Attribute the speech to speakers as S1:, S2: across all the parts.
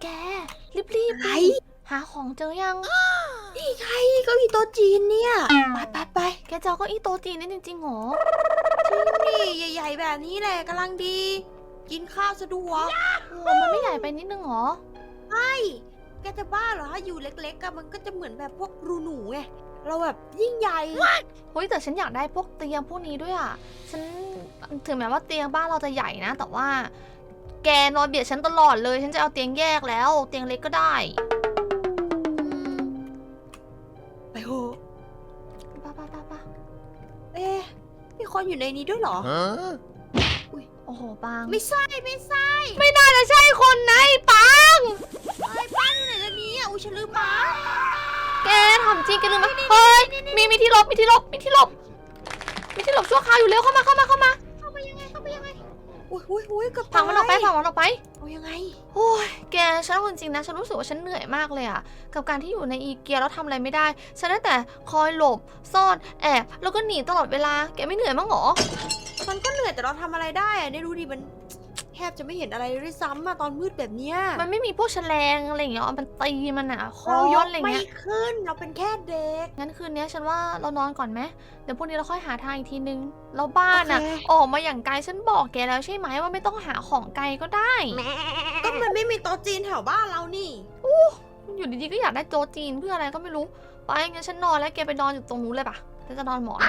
S1: แกรีบ
S2: อะไร
S1: หาของเจอยัง
S2: นี่ไงเก้าอี้โต๊ะจีนเนี่ยไป
S1: แกเจอเก้าอี้โต๊ะจีนนี่จริงๆหรอ
S2: นี่ใหญ่ๆแบบนี้แหละกำลังดี กินข้าวสะดวก
S1: โอ้มันไม่ใหญ่ไปนิดนึงหรอ
S2: แกจะบ้าเหรออยู่เล็กๆอะมันก็จะเหมือนแบบพวกรูหนูไงเราแบบยิ่งใหญ่
S1: เฮ้ยแต่ฉันอยากได้พวกเตียงพวกนี้ด้วยอ่ะฉันถึงแม้ว่าเตียงบ้านเราจะใหญ่นะแต่ว่าแกนอนเบียดฉันตลอดเลยฉันจะเอาเตียงแยกแล้วเตียงเล็กก็ได้
S2: ไปโห
S1: ป้า
S2: เอ๊ะมีคนอยู่ในนี้ด้วยเหรอ
S1: โอ้โหปัง
S2: ไม่ใช่
S1: ไม่น่าจะใช่คนนะไอ้ปัง
S2: ไอ้ป้าอยู่ไหนแล้วนี้อ่ะอุ้ยฉันลืมมา
S1: แกทำจริงแกลืมไหมเฮ้ยมีที่หลบชั่วคราวอยู่เร็วเข้ามา
S2: เข้าไปยังไงอุ้ยเกับ
S1: ผังมันออกไป
S2: เอายังไง
S1: โอ้ยแกฉันเอาจริงๆนะฉันรู้สึกว่าฉันเหนื่อยมากเลยอะกับการที่อยู่ในอีเกียแล้วทำอะไรไม่ได้ฉันได้แต่คอยหลบซ่อนแอบแล้วก็หนีตลอดเวลาแกไม่เหนื่อยมั้างเหรอ
S2: มันก็เหนื่อยแต่เราทำอะไรได้อะเนี่ยดูดิมันแทบจะไม่เห็นอะไรเลยด้วยซ้ำอะตอนมืดแบบเนี้ย
S1: มันไม่มีพวกแฉลงอะไรอย่างเงี้ยมันตีมันอะคอ
S2: เราย
S1: น
S2: ก
S1: อะไร
S2: ไม่
S1: เงี้ย
S2: ขึ้นเราเป็นแค่เด็ก
S1: งั้นคืนนี้ฉันว่าเรานอนก่อนไหมเดี๋ยวพรุ่งนี้เราค่อยหาทางอีกทีนึงแล้วบ้านอะ
S2: โอเค
S1: ออกมาอย่างไกลฉันบอกแกแล้วใช่ไหมว่าไม่ต้องหาของไกลก็ได้
S2: ก็มันไม่มีโต๊ะจีนแถวบ้านเรานี่
S1: อยู่ดีๆก็อยากได้โจจีนเพื่ออะไรก็ไม่รู้ไปงั้นฉันนอนแล้วแกไปนอนอยู่ตรงนู้นเลยปะฉันจะนอนหมอน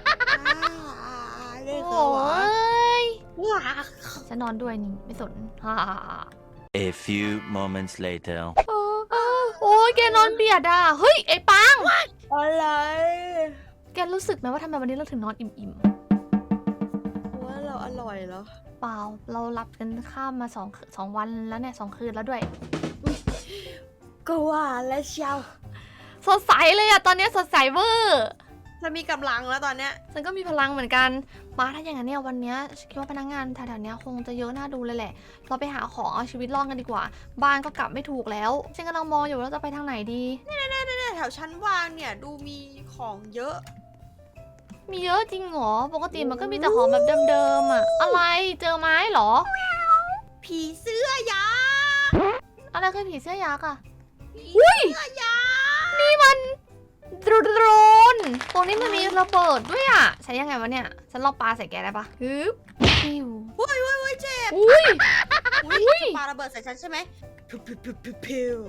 S2: เล่น
S1: โอ
S2: เขาวะ
S1: ้ย
S2: ว้า
S1: ฉันนอนด้วยนี่ไม่สนฮ่า
S3: A few moments later.
S1: โอ้ยแกนอนเบียดอ่ะเฮ้ยไอ้ปัง
S2: อะไร
S1: แกรู้สึกไหมว่าทำไมวันนี้เราถึงนอนอิ่ม
S2: ว่าเราอร่อยเหรอ
S1: ๆเปล่าเราหลับกันข้ามมาสองวันแล้วเนี่ย2 คืนแล้วด้วย
S2: ก็ว่าแล้วเชียว
S1: สดใสเลยอะตอนนี้สดใสเวอร์
S2: จะมีกำลังแล้วตอนเนี้ย
S1: ฉันก็มีพลังเหมือนกันมาถ้าอย่างนั้นเนี่ยวันเนี้ยฉันคิดว่าพนักงานแถวๆเนี้ยคงจะเยอะน่าดูเลยแหละเราไปหาของเอาชีวิตรอดกันดีกว่า บ้านก็กลับไม่ถูกแล้วฉันกำลังมองอยู่ว่าเราจะไปทางไหนดี
S2: เนี่ยแถวชั้นวางเนี่ยดูมีของเยอะ
S1: มีเยอะจริงเหรอปกติมันก็มีแต่ของแบบเดิมๆอะอะไรเจอไม้เหรอ
S2: ผีเสื้อยา
S1: อะไรคือผีเสื้อยักษ์อะ
S2: ผีเสื้อยา
S1: นี่มันโดรนตรงนี้มันมีระเบิดด้วยอะใช้ยังไงวะเนี่ยฉันลองปาใส่แกได้ปะฮึบพิว
S2: เฮ้ยเจ็บ
S1: อุ้ย
S2: อุ้ยปาระเบิดใส่ฉันใช่ไหมพิวพิว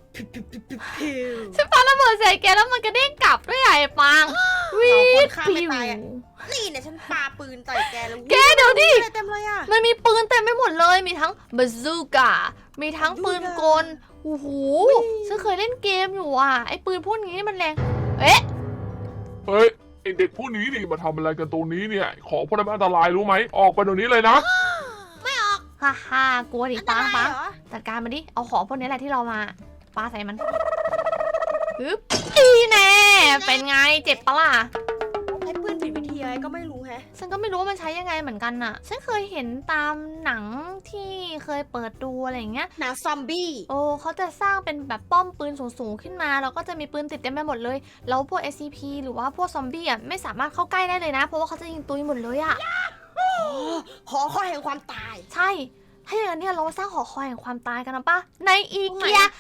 S1: ฉันปาระเบิดใส่แกแล้วมันกระเด้งกลับด้วยอะไอ้ปังวิ
S2: คนฆ่า
S1: พิ
S2: ไม่
S1: ว
S2: ตายอะนี่เนี่ยฉันปาปืนใส่แกแล้ว
S1: แกเดี๋ยวดิ
S2: อะไรเต็มเลยอะ
S1: มันมีปืนเต็มไปหมดเลยมีทั้งบาซูก้ามีทั้งปืนกลโอ้โหฉันเคยเล่นเกมอยู่อะไอ้ปืนพวกนี้มันแรงเอ๊ะ
S4: เฮ้ยไอเด็กผู้นี้นี่มาทำอะไรกันตรงนี้เนี่ย ของพวกนั้นมันอันตรายรู้ไหม ออกไปเดี๋ยวนี้เลยนะ
S1: ฮ่าฮ่ากลัวดิ
S2: อันต
S1: ปัง
S2: ราย
S1: ปัง
S2: เหรอ
S1: จัดการมาดิเอาของพวกนี้แหละที่เรามาปาใส่มันฮึบอีแน่เป็นไงเจ็บปะล่ะ
S2: ใช้ปืนผิดวิธีอะไรก็ไม่รู้แฮะ
S1: ฉันก็ไม่รู้ว่ามันใช้ยังไงเหมือนกันน่ะ ฉันเคยเห็นตามหนังที่เคยเปิดดูอะไรอย่างเงี้ย
S2: หนังซอมบี้
S1: โอ้เขาจะสร้างเป็นแบบป้อมปืนสูงๆขึ้นมาแล้วก็จะมีปืนติดเต็มไปหมดเลย แล้วพวก SCP หรือว่าพวกซอมบี้อ่ะไม่สามารถเข้าใกล้ได้เลยนะ เพราะว่าเขาจะยิงตุยหมดเลยอ่ะ
S2: หอคอยแห่งความตาย
S1: ใช่ ถ้าอย่างนั้นเนี่ยเรามาสร้างหอคอยแห่งความตายกันนะปะในอี
S2: ตรงไหน
S1: เกีย
S2: อะ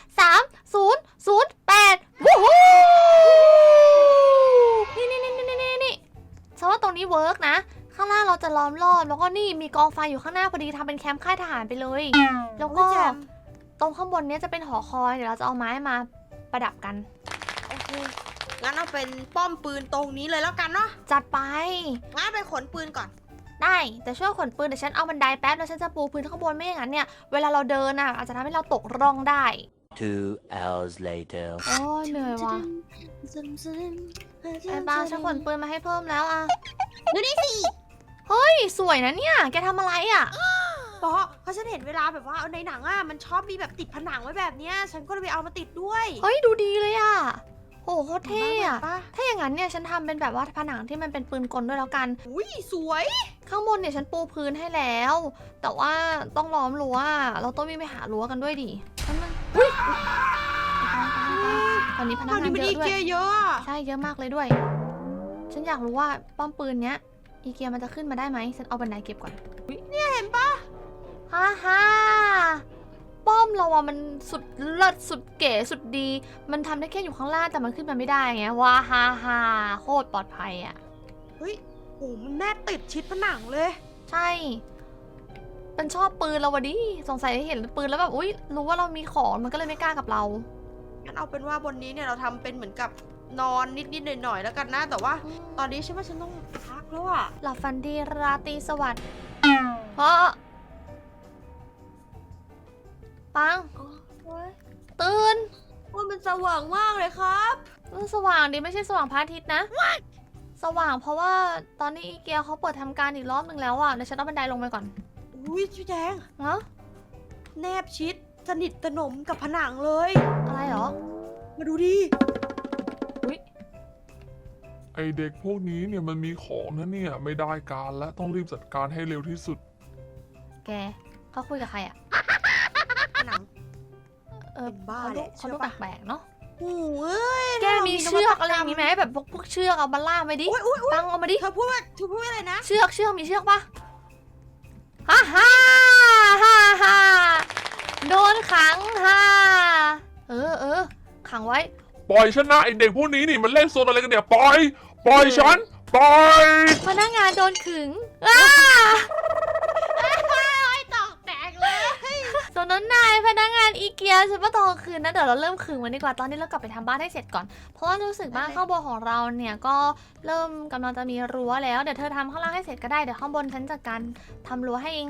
S1: 3008วู้ฮู้นี่ฉันว่าตรงนี้เวิร์กนะ ข้างล่างเราจะล้อมรอบแล้วก็นี่มีกองไฟอยู่ข้างหน้าพอดีทำเป็นแคมป์ค่ายทหารไปเลย แล้วก็
S2: อุ๊ยแจ่ม
S1: ตรงข้างบนเนี้ยจะเป็นหอคอยเดี๋ยวเราจะเอาไม้มาประดับกัน
S2: โอเคงั้นเอาเป็นป้อมปืนตรงนี้เลยแล้วกันเนาะ
S1: จัดไป
S2: งั้นไปขนปืนก่อน
S1: ได้แต่ช่วยขนปืนเดี๋ยวฉันเอาบันไดแป๊บแล้วฉันจะปูพื้นข้างบนไม่อย่างนั้นเนี่ยเวลาเราเดินอ่ะอาจจะทำให้เราตกร่องได้
S3: 2 hours later.
S1: โอ้ยเหนื่อยว่ะไอ้บ้าฉันขนปืนมาให้เพิ่มแล้วอ่ะ
S2: ดูนี่สิ
S1: เฮ้ยสวยนะเนี่ยแกทำอะไรอ่ะ
S2: เพราะฉันเห็นเวลาแบบว่าในหนังอ่ะมันชอบมีแบบติดผนังไว้แบบเนี้ยฉันก็เลยไปเอามาติดด้วย
S1: เฮ้ยดูดีเลยอ่ะโอ้โหโคตรเท่อะ
S2: ปะ
S1: ถ้าอย่างนั้นเนี่ยฉันทำเป็นแบบว่าผนังที่มันเป็นปืนกลด้วยแล้วกัน
S2: อุ้ยสวย
S1: ข้างบนเนี่ยฉันปูพื้นให้แล้ว แต่ว่าต้องล้อมรั้วเราต้องวิ่งไปหารั้วกันด้วยดินั่นมันอุ้ยตอนนี้พนัก
S2: ตอน
S1: งา
S2: นี้
S1: น
S2: มัน
S1: เย
S2: อี
S1: อะด้วย
S2: เกียเยอะอะ
S1: ใช่เยอะมากเลยด้วย ฉันอยากรู้ว่าป้อมปืนเนี้ยอีเกียมันจะขึ้นมาได้ไหมฉันเอาบันไดเก็บก่อน
S2: เนี่ยเห็นปะ
S1: ฮ่าฮ่าป้อมเราอะมันสุดเลิศสุดเก๋สุดดี มันทำได้แค่อยู่ข้างล่างแต่มันขึ้นมาไม่ได้ไงว้าฮ่าฮ่าโคตรปลอดภัยอะ
S2: เฮ้ยโอ้มันแนบติดชิดผนังเลย
S1: ใช่ มันชอบปืนเราวะดิสงสัยเห็นปืนแล้วแบบอุ๊ยรู้ว่าเรามีของมันก็เลยไม่กล้ากับเรา
S2: งั้นเอาเป็นว่าบนนี้เนี่ยเราทำเป็นเหมือนกับนอนนิดๆหน่อยๆแล้วกันนะ แต่ว่าตอนนี้ฉันว่าฉันต้องพักแล้วอะ
S1: หลับฝันดีราตรีสวัสดิ์เพราะปัง
S2: โอ้ย
S1: ตื่น
S2: ว่ามันสว่างมากเลยครับ
S1: สว่างดิไม่ใช่สว่างพระอาทิตย์นะ สว่างเพราะว่าตอนนี้อีเกียเขาเปิดทำการอีกรอบหนึ่งแล้วอ่ะเดี๋ยวฉันเอาบันไดลงไปก่อน
S2: อุ้ยพี่แจง
S1: เนาะ
S2: แนบชิดสนิทสนมกับผนังเลย
S1: อะไรเหรอ
S2: มาดูดิ
S1: อุ๊ย
S4: ไอเด็กพวกนี้เนี่ยมันมีของนะเนี่ยไม่ได้การแล้วต้องรีบจัดการให้เร็วที่สุด
S1: แกเขาคุยกับใครอ่ะ
S2: ผนัง เป็นบ้า
S1: เขา
S2: แห
S1: ดู
S2: ละ
S1: เขาดู
S2: เชื่อปะ
S1: แปลกๆเนาะ
S2: โอ้ย
S1: แกมีเชือกอะไรอย่างงี้ไหมแบบพวกเชือกเอามาล่ามไปดิ
S2: อุ้ยอุ้ยอุ้ย
S1: ปังเอามาดิ
S2: เธอพูดว่าอะไรนะ
S1: เชือกมีเชือกปะฮ่าฮ่าฮ่าฮ่าโดนขังฮ่าเออขังไว้
S4: ปล่อยฉันนะไอเด็กพวกนี้นี่มันเล่นโซนอะไรกันเนี่ยปล่อยฉันปล่อย
S1: พนักงานโดนขึงอ้า
S2: ตอกแตกเลย
S1: ส่วนนั้นนายพนักงานอีเกียฉันว่าตอนคืนนะเดี๋ยวเราเริ่มขึงมันดีกว่าตอนนี้เรากลับไปทำบ้านให้เสร็จก่อน เพราะว่ารู้สึกว่าข้างบนของเราเนี่ยก็เริ่มกำลังจะมีรั้วแล้วเดี๋ยวเธอทำข้างล่างให้เสร็จก็ได้เดี๋ยวข้างบนฉันจัดการทำรั้วให้เอง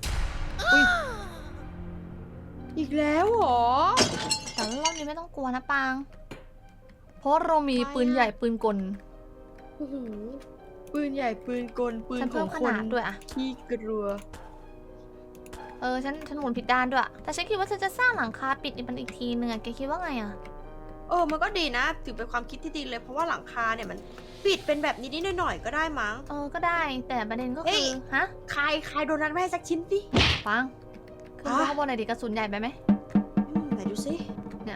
S2: อีกแล้วเหรอ
S1: แต่รอบนี้ไม่ต้องกลัวนะปาง เพราะเรามีปืนใหญ่ปืนกล
S2: โอ้โหปืนใหญ่ปืนกลปืน
S1: ฉัน
S2: ข
S1: เพิ่
S2: อ
S1: ม
S2: ง
S1: ข
S2: คน
S1: นาดด้วยอะ
S2: ที่กลัว
S1: ฉันหมุนผิดด้านด้วย แต่ฉันคิดว่าฉันจะสร้างหลังคาปิดมันอีกทีนึงอะแกคิดว่าไงอะ
S2: มันก็ดีนะถือเป็นความคิดที่ดีเลยเพราะว่าหลังคาเนี่ยมันปิดเป็นแบบนิดๆหน่อยๆก็ได้มั้ง
S1: ก็ได้ แต่ประเด็นก็
S2: เฮ้
S1: คื
S2: ย
S1: อ ฮะ
S2: ใครโดนนั้นไม่ให้สักชิ้นสิ
S1: ปังขึ้นไปข้างบนหน่อยดิกระสุนใหญ่ไปไหม
S2: ไหนดูสิ
S1: เนี่ย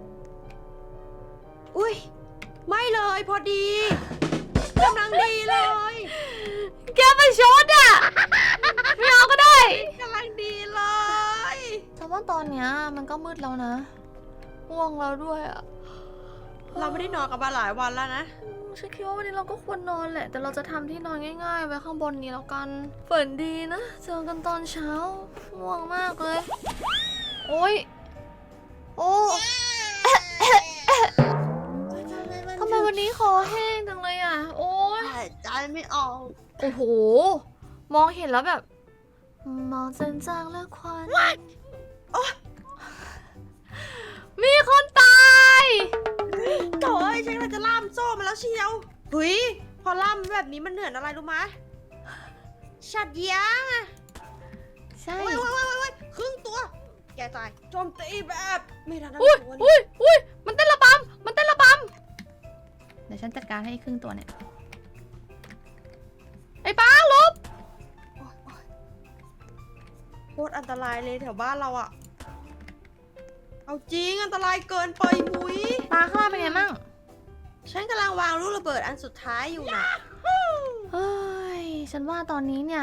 S2: อุ้ยไม่เลยพอดีกำลังดีเลย
S1: แกไปชดอะไม่เอาก็ได้
S2: กำลังดีเลย
S1: แต่ว่าตอนเนี้ยมันก็มืดแล้วนะง่วงแล้วด้วยอะ
S2: เราไม่ได้นอนกันมาหลายวันแล้วนะ
S1: ฉันคิดว่าวันนี้เราก็ควรนอนแหละ แต่เราจะทำที่นอนง่ายๆ ไว้ข้างบนนี้แล้วกัน ฝันดีนะ เจอกันตอนเช้า ง่วงมากเลย โอ้ย โอ้ ทำไมวันนี้คอแห้งจังเลยอ่ะ โอ้ย
S2: หายใจไม่ออก
S1: โอ้โห มองเห็นแล้วแบบ มองจนจางแล้วควันมีคนตาย
S2: โถ่ยฉันกำลังจะล่ามโซ่มาแล้วเชียวเฮ้ยพอล่ามแบบนี้มันเหนื่อยอะไรรู้ไหมฉัดยาง
S1: ใช่
S2: โอ้ยครึ่งตัว แกตายโจมตีแบบไม่ทันตั้ง
S1: อุ้ย
S2: ตัว
S1: อุ้ยมันเต้นระบำมันเต้นระบำเดี๋ยวฉันจัดการให้ครึ่งตัวเนี่ย ไอ้ป้าลบ
S2: โคตรอันตรายเลยแถวบ้านเราอะเอาจริงอันตรายเกินไปมุ้ย
S1: ป้าข้างล่างเป็นไงมั่ง
S2: ฉันกำลังวางลูกระเบิดอันสุดท้ายอยู่นะ
S1: เฮ้ย ฉันว่าตอนนี้เนี่ย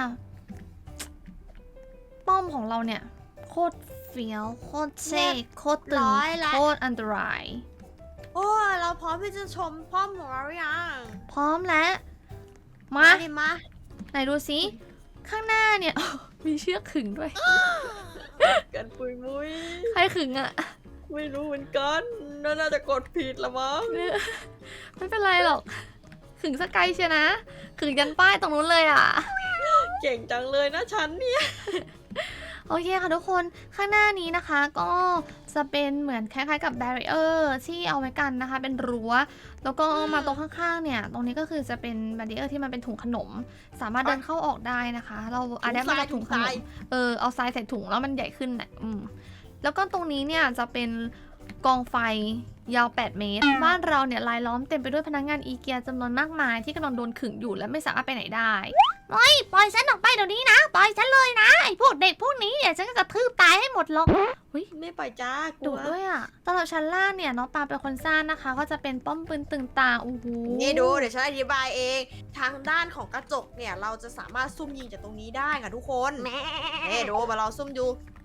S1: ป้อมของเราเนี่ย โคตรเฟี้ยว โคตรเท่โคตรตึง โคตรอันตราย
S2: โอ้เราพร้อมที่จะชมป้อมของเราหรือยัง
S1: พร้อมแล้ว มา
S2: ดิมา
S1: ไหนดูสิ ข้างหน้าเนี่ย มีเชือกขึงด้วย
S2: กันปุยมุ้ย
S1: ใครขึงอะ
S2: ไม่รู้เหมือนกันน่าจะกดผิดละมั้ง
S1: ไม่เป็นไรหรอก ขึงสกายเชียนะ ขึงยันป้ายตรงนู้นเลยอะ
S2: เก่งจังเลยนะฉันเนี่ย
S1: โอเคค่ะทุกคนข้างหน้านี้นะคะก็จะเป็นเหมือนคล้ายๆกับแบรีเออร์ที่เอาไว้กันนะคะ เป็นรั้วแล้วก็มาตรงข้างๆเนี่ยตรงนี้ก็คือจะเป็นแบรีเออร์ที่มันเป็นถุงขนม สามารถเดินเข้าออกได้นะคะ เราอาจจะมาจากถุงขนมเอาทรายใส่ถุงแล้วมันใหญ่ขึ้นนะแล้วก็ตรงนี้เนี่ยจะเป็นกองไฟยาว 8 เมตร บ้านเราเนี่ยรายล้อมเต็มไปด้วยพนักงานอีเกียจำนวนมากมายที่กำลังโดนขึงอยู่และไม่สามารถไปไหนได้ปล่อยฉันออกไปเดี๋ยวนี้นะปล่อยฉันเลยนะไอ้พวกเด็กพวกนี้เนี่ยฉันจะกระทืบตายให้หมดหรอก
S2: ไม่ปล่อยจ้าก
S1: ดุ
S2: ลัว
S1: ด้วยอ่ะตลอดชั้นล่างเนี่ยน้องปาเป็นคนสร้างนะคะ ก็จะเป็นป้อมปืนตึงต่างโอ้โห
S2: นี่ดูเดี๋ยวฉันอธิบายเอง ทางด้านของกระจกเนี่ยเราจะสามารถซุ่มยิงจากตรงนี้ได้ค่ะทุกคนนี่ดูมาเราซุ่มดู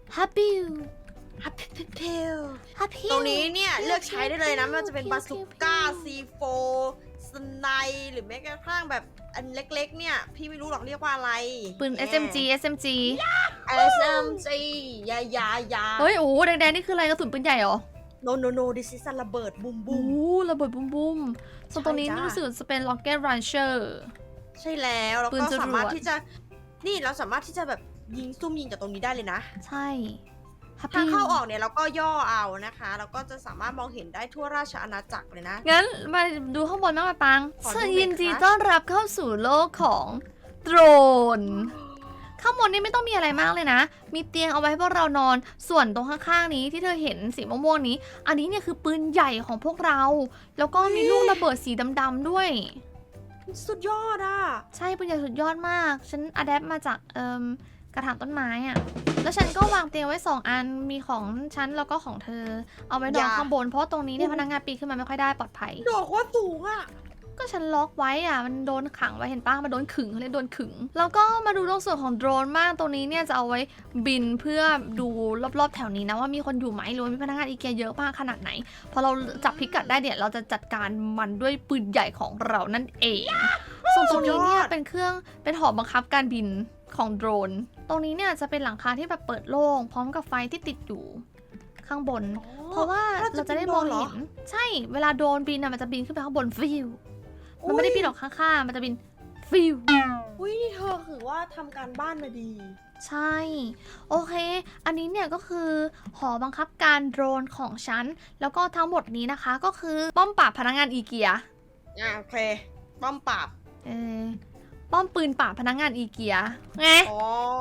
S1: ฮับบิว
S2: ฮับเพล
S1: ฮับพิว
S2: ตรงนี้เนี่ยเลือกใช้ได้เลยนะไม่ว่าจะเป็นบาซูก้า C4 สไนหรือแม้กระทั่งแบบอันเล็กๆเนี่ยพี่ไม่รู้หรอกเรียกว่าอะไร
S1: ปืน SMG SMG
S2: SMG ยา
S1: เฮ้ยโอ้แดงๆนี่คืออะไรกระสุนปืนใหญ่เหรอ
S2: no this is a ระเบิดบุม
S1: โอ้ระเบิดบุ้มส่วนตรงนี้
S2: ใช่จ้ะ
S1: รู้สึกจะเป็น Rocket Launcher
S2: ใช่แล้วแล้ว
S1: ปืน
S2: ก็
S1: จรวด
S2: สามารถที่จะนี่เราสามารถที่จะแบบยิงซุ่มยิงจากตรงนี้ได้เลยนะ
S1: ใช่ฮับ
S2: ทาง
S1: พิว
S2: เข้าออกเนี่ยเราก็ย่อเอานะคะแล้วก็จะสามารถมองเห็นได้ทั่วราชอาณาจักรเลยนะ
S1: งั้นมาดูข้างบนบ้างมาปัง
S2: ขอดูหน่อย
S1: ยินดี
S2: ครับ
S1: ต้อนรับเข้าสู่โลกของโดรน ข้างบนนี่ไม่ต้องมีอะไรมากเลยนะ มีเตียงเอาไว้ให้พวกเรานอน ส่วนตรงข้างๆนี้ที่เธอเห็นสีม่วงๆนี้ อันนี้เนี่ยคือปืนใหญ่ของพวกเรา แล้วก็มีลูกระเบิดสีดำๆด้วย
S2: สุดยอดอ่ะ
S1: ใช่ปืนใหญ่สุดยอดมาก ฉันอะแดปมาจากกระถางต้นไม้อะแล้วฉันก็วางเตียงไว้2 อัน มีของฉันแล้วก็ของเธอ เอาไว้นอนข้างบน เพราะตรงนี้เนี่ยพนักงานปีนขึ้นมาไม่ค่อยได้ปลอดภัย
S2: โดดโคตรสูงอ่ะ
S1: ก็ฉันล็อกไว้อะมันโดนขังไว้เห็นปะมันโดนขึงเขาเรียกโดนขึง แล้วก็มาดูตรงส่วนของโดรนมากตรงนี้เนี่ยจะเอาไว้บินเพื่อดูรอบๆแถวนี้นะว่ามีคนอยู่ไหมหรือว่ามีพนักงานอีเกียเยอะมากขนาดไหน พอเราจับพิกัดได้เนี่ยเราจะจัดการมันด้วยปืนใหญ่ของเรานั่นเอง ส่วนตรงนี้เนี่ยเป็นหอบังคับการบินของโดรน ตรงนี้เนี่ยจะเป็นหลังคาที่แบบเปิดโล่งพร้อมกับไฟที่ติดอยู่ข้างบน เพราะว่าเราจะได้มองเห็น ใช่ เวลาโดรนบินอะมันจะบินขึ้นไปข้างบนฟิว มันไม่ได้บินออกข้างๆ มันจะบินฟิว
S2: อุ้ยนี่เธอคือว่าทำการบ้านมาดี
S1: ใช่ โอเค อันนี้เนี่ยก็คือหอบังคับการโดรนของฉัน แล้วก็ทั้งหมดนี้นะคะก็คือป้อมปราบพนักงานอีเกีย
S2: โอเคป้อมปราบ
S1: เออป้อมปืนปราบพนักงานอีเกียไง
S2: อ๋อ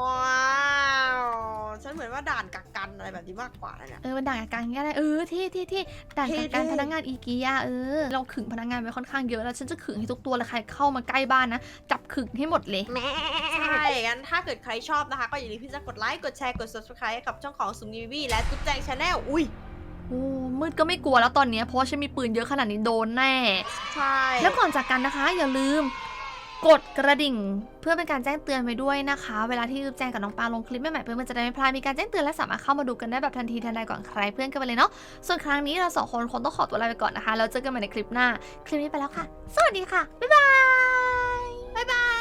S2: ฉันเหมือนว่าด่านกักกันอะไรแบบนี้มากกว่านะเนี่ย
S1: มันด่านกักกันก็ได้ที่ด่านกักกัน
S2: เท่ๆ
S1: พนักงานอีเกียเราขึงพนักงานไว้ค่อนข้างเยอะแล้วฉันจะขึงให้ทุกตัวเลยใครเข้ามาใกล้บ้านนะจับขึงให้หมดเลย
S2: ใช่งั้นถ้าเกิดใครชอบนะคะ ก็อย่าลืมที่จะกดไลค์ กดแชร์ กด subscribe ให้กับช่องของสุมนีวีและตุ๊กแจงชาแนลอุ้ย
S1: โอ้มืดก็ไม่กลัวแล้วตอนนี้เพราะว่าฉันมีปืนเยอะขนาดนี้โดนแน่
S2: ใช่
S1: แล้วก่อนจากกันนะคะ อย่าลืมกดกระดิ่งเพื่อเป็นการแจ้งเตือนไว้ด้วยนะคะ เวลาที่แจ้งกับน้องปาลงคลิปใหม่ๆเพื่อนมันจะได้ไม่พลาดมีการแจ้งเตือนและสามารถเข้ามาดูกันได้แบบทันทีทันใดก่อนใครเพื่อนกันไปเลยเนาะส่วนครั้งนี้เรา2 คนคงต้องขอตัวลาไปก่อนนะคะแล้วเจอกันใหม่ในคลิปหน้าคลิปนี้ไปแล้วค่ะ สวัสดีค่ะบ๊ายบาย
S2: บ๊ายบาย